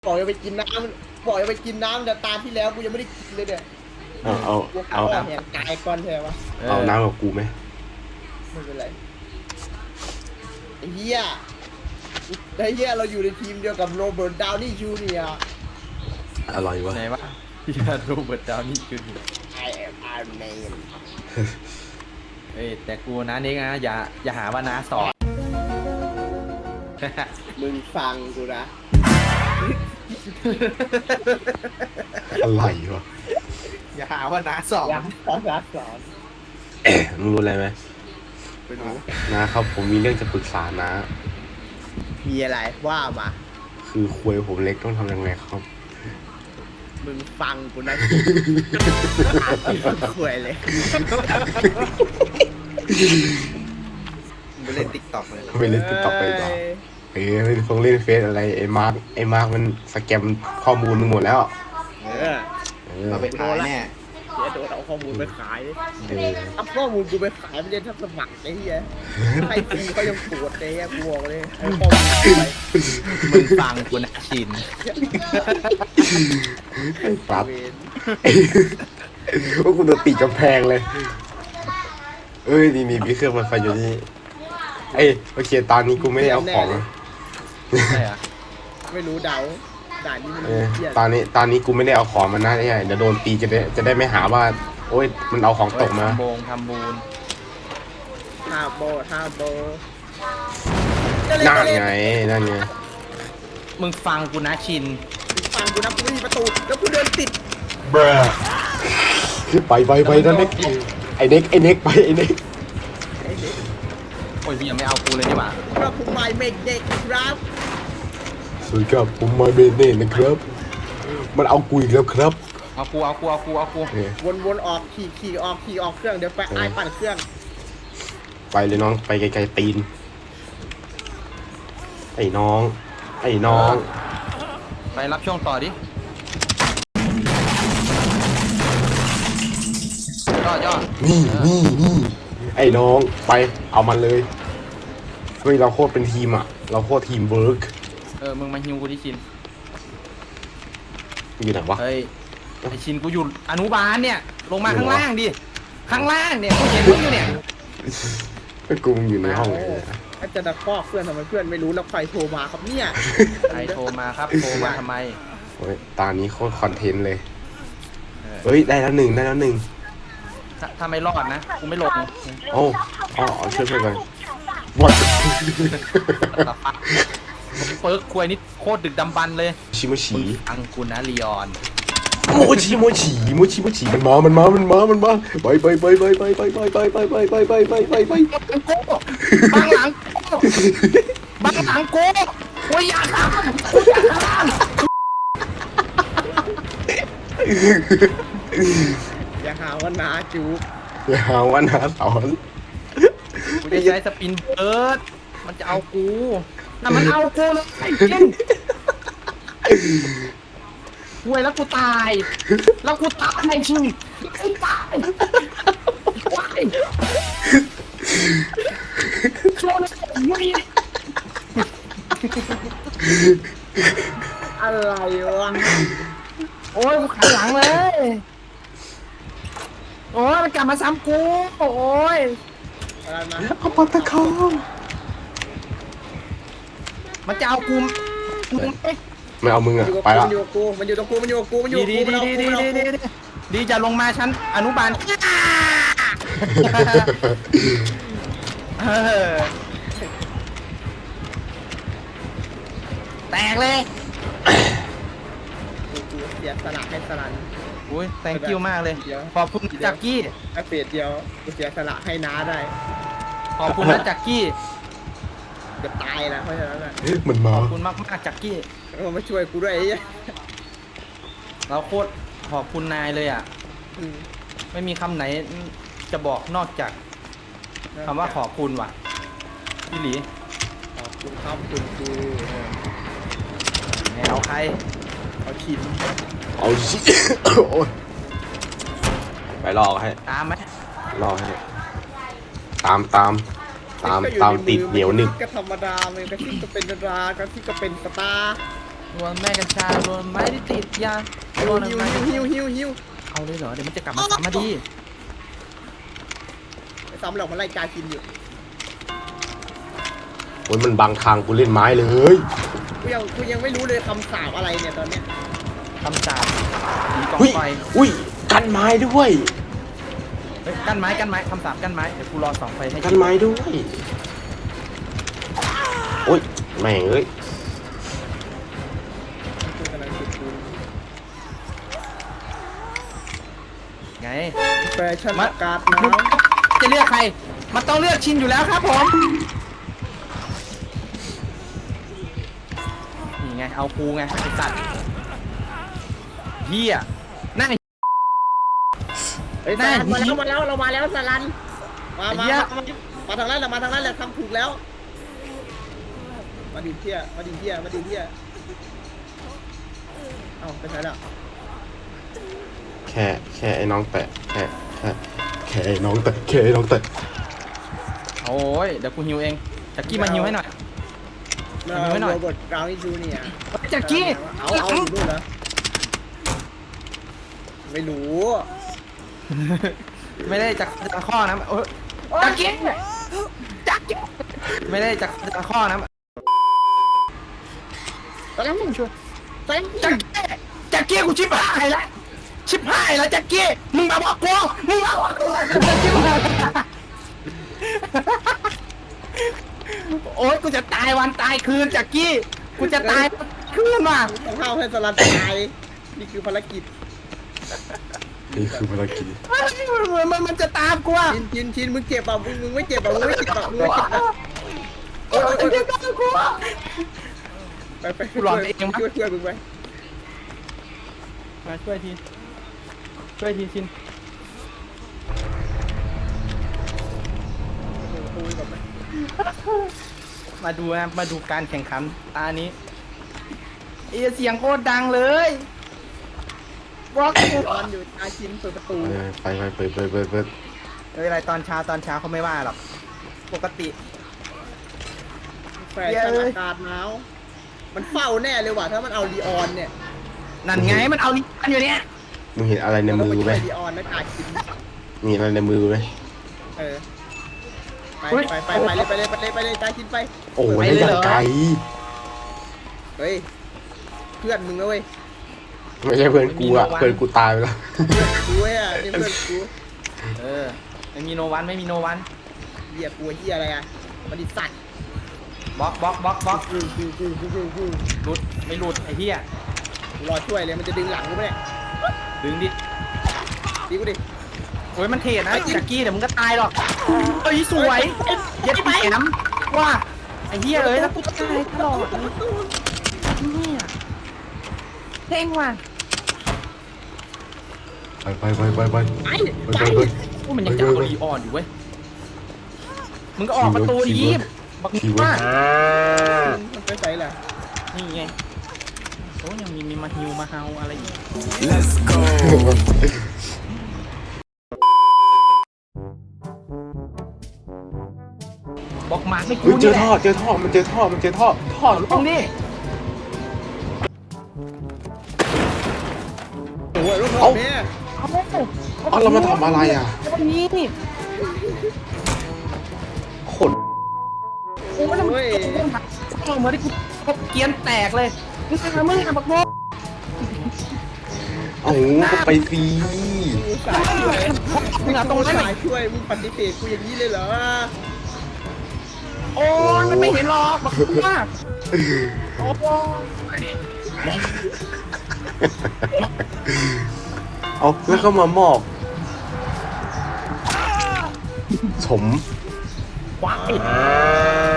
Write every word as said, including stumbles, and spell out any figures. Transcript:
บอกจะไปกินน้ำบอกจะไปกินน้ำแต่ตาที่แล้วกูยังไม่ได้กินเลยเนี่ยเอาเอากูเอาเอาแหงกายก่อนใช่ไหมเอาน้ำกับกูไหมไม่เป็นไรไอ้เหี้ยไอ้เหี้ยเราอยู่ในทีมเดียวกับโรเบิร์ตดาวนี่จูเนียร์อร่อยวะไหนวะพี่โรเบิร์ตดาวนี่คือ I am Iron Man เอ้ยแต่กูนะนี่นะอย่าอย่าหาว่าน้าสอนมึงฟังกูนะอะไรวะอย่าหาว่าน้าสอนยังสอนรักสอนเอ๊ะมึงรู้อะไรไหมไปดูนะครับผมมีเรื่องจะปรึกษานะมีอะไรว่ามาคือควยผมเล็กต้องทำยังไงครับมึงฟังกูนะคุยเลยมึงเล่นติ๊กต็อกเลยไม่เล่นติ๊กต็อกไปต่อเอ้ยต้องเล่นเฟซอะไรไอ้มาร์กไอ้มาร์กมันสแกมข้อมูลมึงหมดแล้วเออเออเราไปขายแน่เดี๋ยวโดนเอาข้อมูลไปขายดิเออเอาข้อมูลกูไปขายไม่ได้ทับสมัครไอ้เหี้ยให้ฟรีเขายังปวดเลยอะกูบอกเลยเอาข้อมูลไปมึงฟังกูนะชินไอ้ปรับเวนว่ากูโดนตีกำแพงเลย เอ้ยนี่มีมีเครื่องมันไฟอยู่นี่เอ้ยโอเคตอนนี้กูไม่ได้เอาของใช่เหรอไม่รู้เดาด่านนี้มันเออเหี้ยตอนนี้ตอนนี้กูไม่ได้เอาของมันนะไอ้เดี๋ยวโดนตีจะได้จะได้ไม่หาว่า โอ้ยมันเอาของตกมาทำโบงทำบูนท่าโบท่าโบนั่นไงนั่นไงมึงฟังกูนะชินฟังกูนะกูไม่มีประตูแล้วกูเดินติดบรไปไปไปนั่นเน็กไอ้เน็กไอ้เน็กไปไอ้เน็กไอ้เด็กโอ้ยพี่ยังไม่เอากูเลยนี่หว่ากระผมไม้เมกเด็กครับสวัสดีครับผมมาเบเน่นะครับ มันเอากูอีกแล้วครับเอากูเอากูเอากูเอากูเออวนๆออกขี่ขี่ออกขี่ออกเครื่องเดี๋ยวไปไอ้ปั่นเครื่องไปเลยน้องไปไกลๆตีน ไอ้น้อง ไอ้น้องไปรับช่วงต่อดิยอดยอดนี่นี่นี่ไอ้น้องไปเอามันเลยเฮ้ยเราโคตรเป็นทีมอ่ะ เราโคตรทีมเวิร์กเออมึงมาฮิวกูที่ชินอยู่ไหนวะเฮ้ยไอชินกูอยู่อนุบาลเนี่ยลงมาข้างล่างดิข้างล่างเนี่ยกูเห็นมึงอยู่เนี่ยกูมึงอยู่ในห้องไหนเนี่ยถ้าจะตะคอกเพื่อนทำไมเพื่อนไม่รู้แล้วใครโทรมาครับเนี่ยใครโทรมาครับโทรมาทำไมโอ้ยตอนนี้โคตรคอนเทนต์เลยเฮ้ยได้แล้วหนึ่งได้แล้วหนึ่งถ้าถ้าไม่รอดนะกูไม่ลงโอ้อ๋อช่วยช่วยกันวัดตัดฟักเปิร์กควยนี่โคตรดึกดำบรรพ์เลยชิโมชิมึงฟังกูนะลีออนโมชิโมชิโมชิโมชิมันมา มันมา มันมา มันมาไปไปไปไปไปไปไปไปไปไปไปไปไปไปไปบังหลังกูบังหลังกูโอ้ยอย่าทำอย่าทำอย่าหาว่านาจูบอย่าหาว่านาสอนกูจะใช้สปินเบิร์ดมันจะเอากูน่ะมันเอากูเลยไอ้เจนเว้ยแล้วกูตาย แล้วกูตายไอ้ชิงกูตายตายโชว์เลยมึงอะไรวะโอ้ยกูขันหลังเลย โอ้ยมันกลับมาซ้ำกู โอ้ยอะไรมาเอาปากตะคองมันจะเอากูมึงเอ๊ะไม่เอามึงมันอ่ะอยู่กับไปกูละมันอยู่กับกูมันอยู่ตรงกูมันอยู่กับกูมันอยู่ดีกับดีกูดีมันเอาดีกูดีมันเอาดีกูดีดีจะลงมาชั้นอนุบาลเออแตกเลยกูเสียสละให้สลันอุ้ย thank you มากเลย ขอบคุณจักกี้แค่เฟสเดียวกูเสียสละให้น้าได้ขอบคุณนะจักกี้เกือบตายแล้วเพราะฉะนั้นอ่ะมันมาขอบคุณมากมากจักกี้มันมาช่วยกูด้วยไอ้เหี้ยเราโคตรขอบคุณนายเลยอ่ะอืมไม่มีคำไหนจะบอกนอกจากคำว่าขอบคุณว่ะพี่หลีขอบคุณครับคุณครูแนวใครเอาชินเอาชิโอ้ยไปรอให้ตามไหมรอให้ ตามตามตามตามติดเหนียวหนึบก็ธรรมดามันก็ที่ก็เป็นดารากระที่ก็เป็นสตาร์ตัวแม่กัญชาโดนไม้ที่ติดยาฮิวโดนฮิวไม้ฮิวฮิวฮิวฮิวเอาเลยเหรอเดี๋ยวมันจะกลับมาซ้ำมาดีไอ้ซ้ำหลอกมันไล่กากินอยู่โอ้ยมันบังทางกูเล่นไม้เลยกูยังกูยังไม่รู้เลยคำสาปอะไรเนี่ยตอนเนี้ยคำสาปมีกองอุ้ยไฟอุ้ยกันไม้ด้วยเฮ้ยกั้นไม้กั้นไม้คำสาปกั้นไม้เดี๋ยวกูรอสองไฟให้กันไม้ด้วยโอ้ยแม่งเอ้ยกูกำลังจุดปูนไงแฟชั่นมาอากาศหมึนาง วจะเลือกใครมันต้องเลือกชินอยู่แล้วครับผมนี่ไงเอากูไงไอสัตว์เฮียนั่งไอ้เฮ้ยได้สารันมาแล้วมาแล้วเรามาแล้วสารันมามาไอ้เหี้ยมามาทางนั้นแหละมาทางนั้นแหละทำถูกแล้ว มาดิเที่ยมาดิเที่ยมาดิเที่ยเอ้าไปไหนแล้วแค่แค่ไอ้น้องแตะแค่แค่แค่ไอ้น้องแตะแค่ไอ้น้องแตะโอ้ยเดี๋ยวกูฮิวเองจักกี้มาฮิวให้หน่อย ฮิวไว้หน่อยโรเบิร์ตกราวนี่จูเนี่ยจักกี้เอาเอาอยู่นู่นเหรอไม่รู้ไม่ได้จากจากข้อนะเออจักกี้จักกี้ไม่ได้จากจากข้อนะตอนนั้นมึงช่วยตอนนั้นจักกี้จักกี้กูชิบหายแล้วชิบหายแล้วจักกี้มึงมาบอกกูมึงมาบอกกูชิบหายโอ๊ยกูจะตายวันตายคืนจักกี้กูจะตายคืนว่ะต้องห้าวให้สลันตายนี่คือภารกิจนี่คือภารกิจมันมันมันจะตามกูอ่ะชินชินชินมึงเจ็บป่ะมึงมึงไม่เจ็บป่ะมึงไม่เจ็บป่ะมึงไม่เจ็บป่ะโอ๊ยมันจะตามกูอ่ะไปไปช่วยช่วยช่วยมึงไปมาช่วยทีช่วยทีชินคุยกับมันมาดูนะมาดูการแข่งขันตานี้เอเสียงโคตรดังเลยบอกตอนอยู่อาชินเปิดประตูไปไปเปิดเปิดเปิดเปิดเอ้ยอะไรตอนเช้าตอนเช้าเขาไม่ว่าหรอกปกติแฟชั่นอากาศหนาวมันเฝ้าแน่เลยว่ะถ้ามันเอาลีออนเนี่ยนั่นไงมันเอาลิ้นอยู่เนี่ยมึงเห็นอะไรในเรามืไปอไหมช่วยลีออนนะกาชินมีอะไรในมือไหมเออไปไปไปไปเลยไปเลยไปเลยไปเลยกาชินไปโอ้ยอย่างไกลเฮ้ยเพื่อนมึงนะเว้ยไม่ใช่เพื่อนกูอะเพื่อนกูตายไปแล้วกูเว้ยอ่ะนี่เพื่อนกูเออไม่มีโนวันไม่มีโนวันเหยียบกูเหี้ยอะไรอ่ะมันดิสัตว์บล็อกบล็อกบล็อกบล็อกกูกูกูกูกูกูหลุดไม่หลุดไอ้เหี้ยกูรอช่วยเลยมันจะดึงหลังกูไหมเนี่ยดึงดิดีกูดิโอ้ยมันเทนะจักกี้เดี๋ยวมึงก็ตายหรอกเอ้ยสวยเย็ดแหมว่าไอ้เหี้ยเอ้ยแล้วกูตายตลอดเลยเนี่ยเท่งว่ะไปไปไปไปไปไปไปไปไปพวกมันยังจะเอาลีออนอยู่เว้ย มึงก็ออกประตูดิยิบบักทีเวิว่าร์มันไปใส่แหละนี่ไงโอ้ยังมีมีมาฮิวมาเฮาอะไรอีกบอกมาไม่เฮ้กูยเจนี่อแหละท่อเจอท่อมันเจอท่อมันเจอท่อท่อตรงนี้โอ้ยรถรถเนี่ยเอาอ๋อเรามาทำอะไรอ่ะตรงนี้นี่ขนโอ้ยแล้วมึงเอาเหมือนที่กูเกียนแตกเลยมึงจะทำมึงทำบักโมเอาก็ไปฟรีกูสายช่วยมึงเอาตรงนั้นสายช่วยมึงปฏิเสธกูอย่างนี้เลยเหรอโอ้ยมันไม่เห็นหรอกบักว่าโอ้ยเอาแล้วก็มามอบสมว้ายอ่า